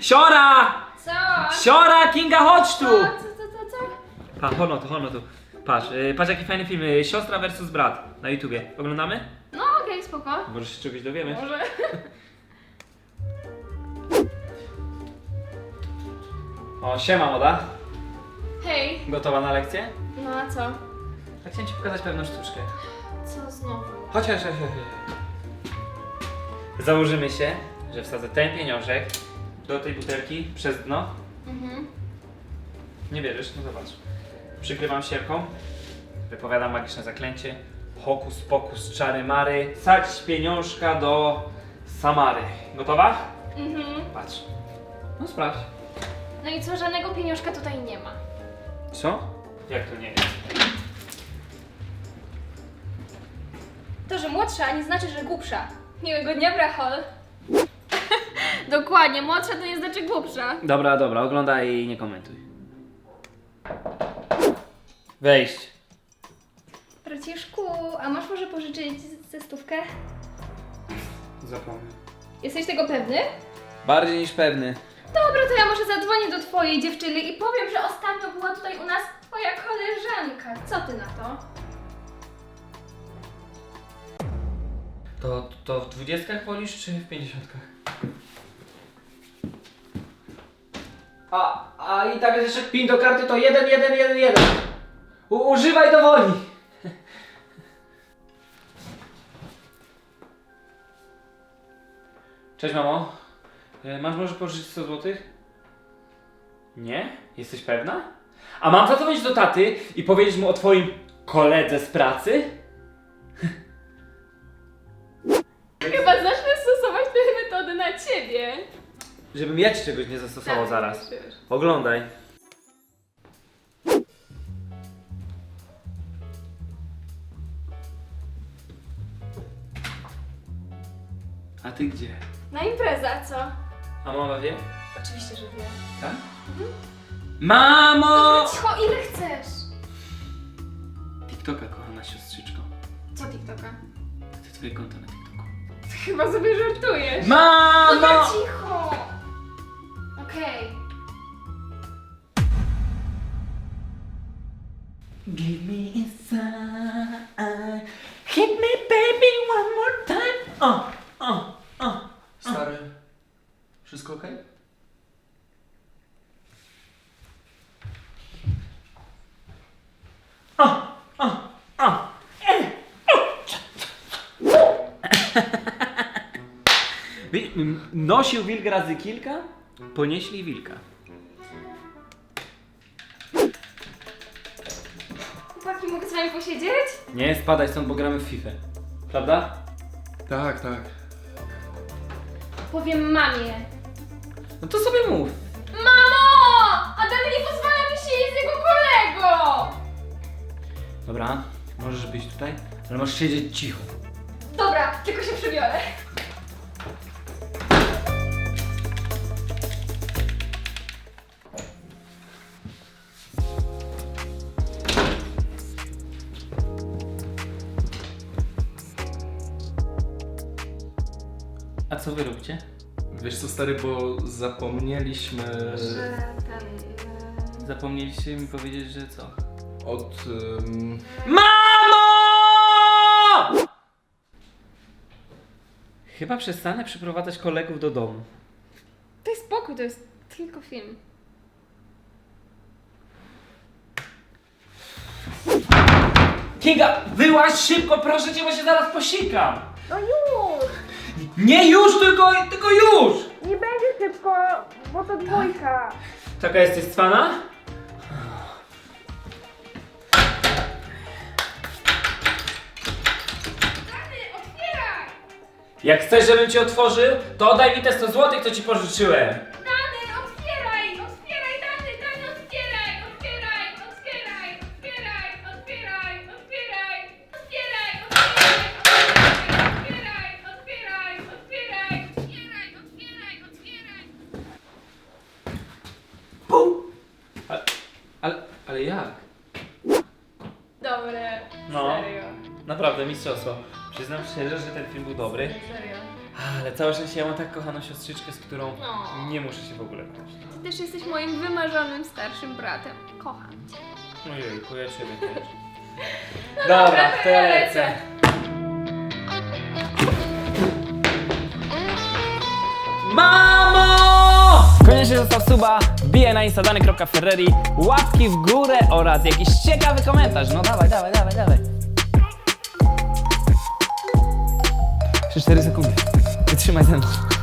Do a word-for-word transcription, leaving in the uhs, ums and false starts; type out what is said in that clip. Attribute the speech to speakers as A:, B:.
A: Siora!
B: Co?
A: Siora, Kinga, chodź tu!
B: Co, co, co, co, co?
A: Pa, hono tu, hono tu. Patrz, yy, patrz jaki fajny film. Yy, Siostra versus brat na YouTubie. Oglądamy?
B: No okej, okay, spoko.
A: Może się czegoś dowiemy.
B: Może.
A: O, siema moda.
B: Hej.
A: Gotowa na lekcję?
B: No a co?
A: Tak chciałem ci pokazać pewną sztuczkę.
B: Co znowu?
A: Chodź, chodź, chodź, chodź. Założymy się, że wsadzę ten pieniążek do tej butelki przez dno.
B: Mhm.
A: Nie wierzysz? No zobacz. Przykrywam sierpą, wypowiadam magiczne zaklęcie. Hokus pokus, czary mary. Sadź pieniążka do Samary. Gotowa?
B: Mhm.
A: Patrz. No sprawdź.
B: No i co, żadnego pieniążka tutaj nie ma.
A: Co? Jak to nie jest?
B: To, że młodsza nie znaczy, że głupsza. Miłego dnia, brachol. Dokładnie, młodsza to nie znaczy głupsza.
A: Dobra, dobra, oglądaj i nie komentuj. Wejść.
B: Braciszku, a masz może pożyczyć ze stówkę?
A: Zapomnę.
B: Jesteś tego pewny?
A: Bardziej niż pewny.
B: Dobra, to ja może zadzwonię do twojej dziewczyny i powiem, że ostatnio była tutaj u nas twoja koleżanka. Co ty na to?
A: To, to w dwudziestkach wolisz, czy w pięćdziesiątkach? A, a i tak jest jeszcze pin do karty to jeden, jeden, jeden, jeden. U, używaj do woli. Cześć mamo. E, Masz może pożyczyć sto złotych? Nie? Jesteś pewna? A mam zadzwonić do taty i powiedzieć mu o twoim koledze z pracy?
B: Chyba zacznę stosować te metody na ciebie.
A: Żebym ja ci czegoś nie zastosował
B: Tak,
A: zaraz.
B: wiesz.
A: Oglądaj. A ty gdzie?
B: Na impreza, co?
A: A mama wie?
B: Oczywiście, że wiem.
A: Tak? Mamo!
B: Cicho, ile chcesz?
A: TikToka, kochana siostrzyczko.
B: Co TikToka?
A: Chcę twoje konto na TikToku.
B: Ty chyba sobie żartujesz.
A: Mamo!
B: No cicho! Okej.
A: Give me a sign. Hit me baby one more time. O, o, o.
C: Stary, wszystko okej?
A: O, o, o. Wi- m- Nosił wilk razy kilka, ponieśli wilka.
B: Chłopaki, mogę z wami posiedzieć?
A: Nie, spadaj stąd, bo gramy w FIFA. Prawda?
C: Tak, tak.
B: Powiem mamie.
A: No to sobie mów.
B: Mamo! Adam nie pozwala mi siedzieć z jego kolego!
A: Dobra, możesz być tutaj, ale masz siedzieć cicho.
B: Dobra, tylko się przebiorę.
A: A co wy robicie?
C: Wiesz co, stary, bo zapomnieliśmy
B: Że ten...
A: Zapomnieliście mi powiedzieć, że co?
C: od... Um...
A: MAMO! Chyba przestanę przyprowadzać kolegów do domu.
B: Daj spokój, to jest tylko film.
A: Kinga, wyłaź szybko, proszę cię, bo się zaraz posikam.
B: No już!
A: Nie już, tylko, tylko już!
B: Nie będzie szybko, bo to dwójka.
A: Taka jesteś cwana?
B: Otwieraj!
A: Jak chcesz, żebym ci otworzył, to oddaj mi te sto złotych, co ci pożyczyłem.
B: Dany, otwieraj! Otwieraj, Dany, Dany, otwieraj! Otwieraj, otwieraj, otwieraj, otwieraj, otwieraj, otwieraj, otwieraj, otwieraj, otwieraj, otwieraj, otwieraj, otwieraj, otwieraj.
A: Pum. Ale, ale, ale jak?
B: Dobre,
A: No.
B: serio,
A: Naprawdę, mistrzostwo. Przyznam szczerze, że ten film był dobry.
B: serio.
A: Ale całe szczęście ja mam tak kochaną siostrzyczkę, z którą
B: No.
A: nie muszę się w ogóle kłócić.
B: Ty też jesteś moim wymarzonym starszym bratem. Kocham cię.
A: Ojejku, ja ciebie też. Dobra, to ja lecę. Mamo!
D: Koniecznie zostaw suba, wbijaj na instadany kropka ferrari, łapki w górę oraz jakiś ciekawy komentarz. No dawaj, dawaj, dawaj, dawaj. trzy cztery sekundy. Wytrzymaj ze mną.